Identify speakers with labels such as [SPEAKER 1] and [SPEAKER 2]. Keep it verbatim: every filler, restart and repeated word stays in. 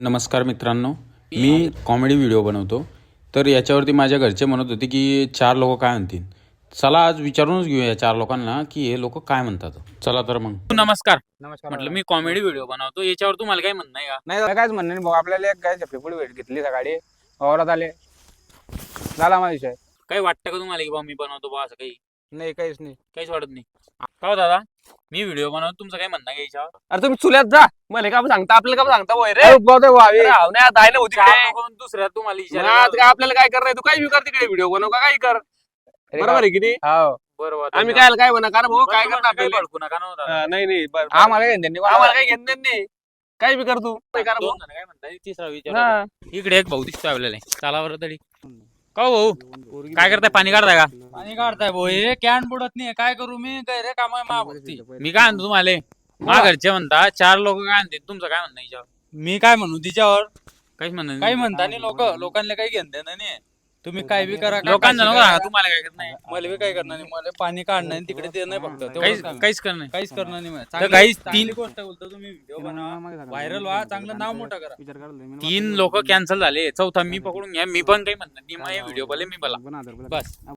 [SPEAKER 1] नमस्कार मित्रांनो, मी comedy video बनवतो. तर याच्यावरती माझ्या घरचे म्हणत होते की चार लोक काय म्हणतील. चला आज विचारूनच घेऊया या चार लोकांना की हे लोक काय म्हणतात. चला तर मग.
[SPEAKER 2] नमस्कार.
[SPEAKER 3] नमस्कार.
[SPEAKER 2] म्हटलं मी कॉमेडी व्हिडिओ बनवतो, याच्यावर तुम्हाला काय म्हणणं आहे का?
[SPEAKER 3] नाही काहीच म्हणणं नाही भाऊ. आपल्याला एक काय झपेपुडी भेट घेतली सकाळी वावरात आले, झाला माझा विषय.
[SPEAKER 2] काही वाटतं का तुम्हाला की बा मी बनवतो बा असं काही?
[SPEAKER 3] नाही काहीच नाही.
[SPEAKER 2] काहीच वाटत नाही का हो दादा? मी व्हिडिओ बनवतो, तुमचं काय म्हणणं आहे याच्यावर?
[SPEAKER 4] अरे तुम्ही चुल्यात जा, मला का सांगता, आपल्याला का सांगता वय रे?
[SPEAKER 3] अरे बहुत आहे भावी.
[SPEAKER 4] नाही दायला होती
[SPEAKER 2] चार
[SPEAKER 4] तिकडे.
[SPEAKER 2] लोकं दुसऱ्या तुम्हाला
[SPEAKER 4] मग
[SPEAKER 2] विचारायला
[SPEAKER 4] आता काय आपल्याला काय करणार, तू काही कर तिकडे व्हिडिओ बनव का काही कर, बरोबर आहे की नाही?
[SPEAKER 3] हो.
[SPEAKER 2] बरोबर.
[SPEAKER 4] आम्ही काय काय म्हणा कारण भाऊ काय करणार
[SPEAKER 2] काही
[SPEAKER 4] आपल्याला?
[SPEAKER 2] भडकू नका ना हो दादा.
[SPEAKER 4] हा, नाही नाही बरं,
[SPEAKER 3] आम्हाला काही त्यांनी
[SPEAKER 4] आम्हाला काही घेणं देणं नाही, काही बी कर तू काय कर भाऊ.
[SPEAKER 2] दोन जण काय म्हणताय, तिसरा विचार.
[SPEAKER 4] हा.
[SPEAKER 2] इकडे एक भाऊ दिसतोय आपल्याला, चला बरं तरी. का हो भाऊ, काय करताय? पाणी काढताय का?
[SPEAKER 5] पाणी काढताय भाऊ, हे कॅन बुडत नाही, काय करू मी? काय रे काम मा भक्ती.
[SPEAKER 2] मी काय म्हणतो तुम्हाला, मा घरचे म्हणता चार लोक काय म्हणते, तुमचं काय म्हणणं आहे याच्यावर?
[SPEAKER 5] मी काय म्हणू तिच्यावर?
[SPEAKER 2] काहीच म्हणणं
[SPEAKER 5] काही
[SPEAKER 2] नाही.
[SPEAKER 5] म्हणता नाही लोक, लोकांना काही घेणं देणं नाही. तुम्ही काय बी करा, काय
[SPEAKER 2] लोकांना
[SPEAKER 5] पाचशे
[SPEAKER 2] नको
[SPEAKER 5] करा.
[SPEAKER 2] सांगा, तुम्हाला काय करत नाही.
[SPEAKER 5] मला बी काय करणार नाही, मला पाणी काढणं नाही, तिकडे ते नाही फक्त तेवढंच
[SPEAKER 2] काहीच
[SPEAKER 5] काम आहे.
[SPEAKER 2] काहीच करणार नाही.
[SPEAKER 5] काहीच करणार नाही मला.
[SPEAKER 2] तर
[SPEAKER 5] चांगली-
[SPEAKER 2] काहीच
[SPEAKER 5] चांगली
[SPEAKER 2] तीन
[SPEAKER 5] गोष्ट बोलतो तुम्ही, व्हिडिओ बनवा, व्हायरल व्हा, चांगलं नाव मोठं करा.
[SPEAKER 2] तीन लोक कॅन्सल झाले, चौथा मी पकडून घ्या. मी पण काही म्हणणार नाही, माझे व्हिडिओ भले मी बोला बस.